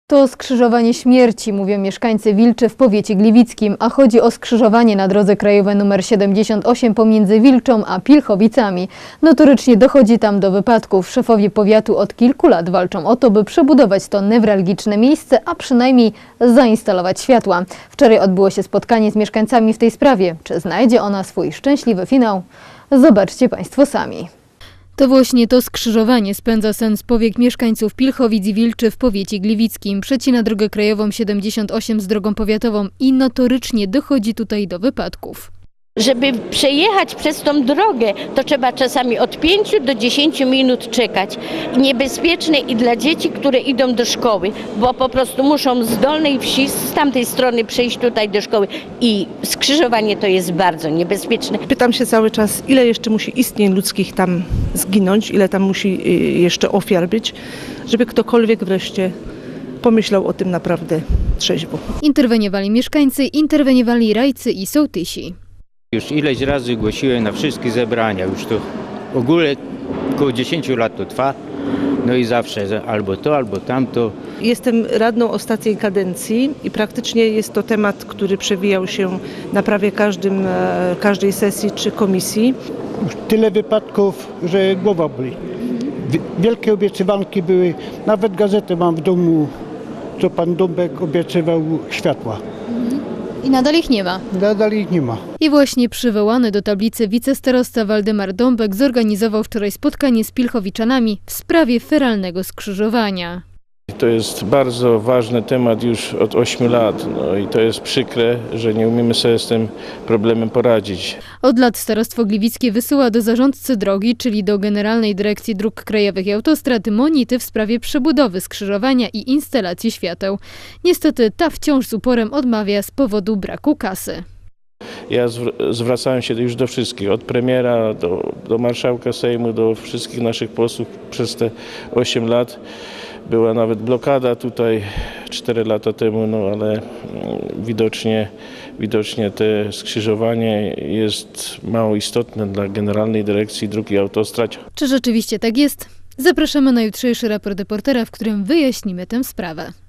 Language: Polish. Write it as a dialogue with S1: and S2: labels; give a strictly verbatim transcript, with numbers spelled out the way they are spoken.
S1: To skrzyżowanie śmierci, mówią mieszkańcy Wilczy w powiecie gliwickim, a chodzi o skrzyżowanie na drodze krajowej nr siedemdziesiąt osiem pomiędzy Wilczą a Pilchowicami. Notorycznie dochodzi tam do wypadków. Szefowie powiatu od kilku lat walczą o to, by przebudować to newralgiczne miejsce, a przynajmniej zainstalować światła. Wczoraj odbyło się spotkanie z mieszkańcami w tej sprawie. Czy znajdzie ona swój szczęśliwy finał? Zobaczcie Państwo sami. To właśnie to skrzyżowanie spędza sen z powiek mieszkańców Pilchowic i Wilczy w powiecie gliwickim. Przecina drogę krajową siedemdziesiąt osiem z drogą powiatową i notorycznie dochodzi tutaj do wypadków.
S2: Żeby przejechać przez tą drogę, to trzeba czasami od pięciu do dziesięciu minut czekać. Niebezpieczne i dla dzieci, które idą do szkoły, bo po prostu muszą z dolnej wsi, z tamtej strony przejść tutaj do szkoły. I skrzyżowanie to jest bardzo niebezpieczne.
S3: Pytam się cały czas, ile jeszcze musi istnień ludzkich tam zginąć, ile tam musi jeszcze ofiar być, żeby ktokolwiek wreszcie pomyślał o tym naprawdę trzeźwo.
S1: Interweniowali mieszkańcy, interweniowali rajcy i sołtysi.
S4: Już ileś razy głosiłem na wszystkie zebrania, już to w ogóle około dziesięciu lat to trwa, no i zawsze albo to, albo tamto.
S3: Jestem radną ostatniej kadencji i praktycznie jest to temat, który przewijał się na prawie każdym, każdej sesji czy komisji.
S5: Już tyle wypadków, że głowa boli. Wielkie obiecywanki były, nawet gazetę mam w domu, co pan Dąbek obiecywał światła.
S1: I nadal ich nie ma.
S5: Nadal ich nie ma.
S1: I właśnie przywołany do tablicy wicestarosta Waldemar Dąbek zorganizował wczoraj spotkanie z Pilchowiczanami w sprawie feralnego skrzyżowania.
S6: To jest bardzo ważny temat już od ośmiu lat, no i to jest przykre, że nie umiemy sobie z tym problemem poradzić.
S1: Od lat Starostwo Gliwickie wysyła do zarządcy drogi, czyli do Generalnej Dyrekcji Dróg Krajowych i Autostrad, monity w sprawie przebudowy skrzyżowania i instalacji świateł. Niestety ta wciąż z uporem odmawia z powodu braku kasy.
S6: Ja zwracałem się już do wszystkich, od premiera do, do marszałka Sejmu, do wszystkich naszych posłów przez te osiem lat. Była nawet blokada tutaj cztery lata temu, no ale widocznie, widocznie to skrzyżowanie jest mało istotne dla Generalnej Dyrekcji Dróg i Autostrad.
S1: Czy rzeczywiście tak jest? Zapraszamy na jutrzejszy raport reportera, w którym wyjaśnimy tę sprawę.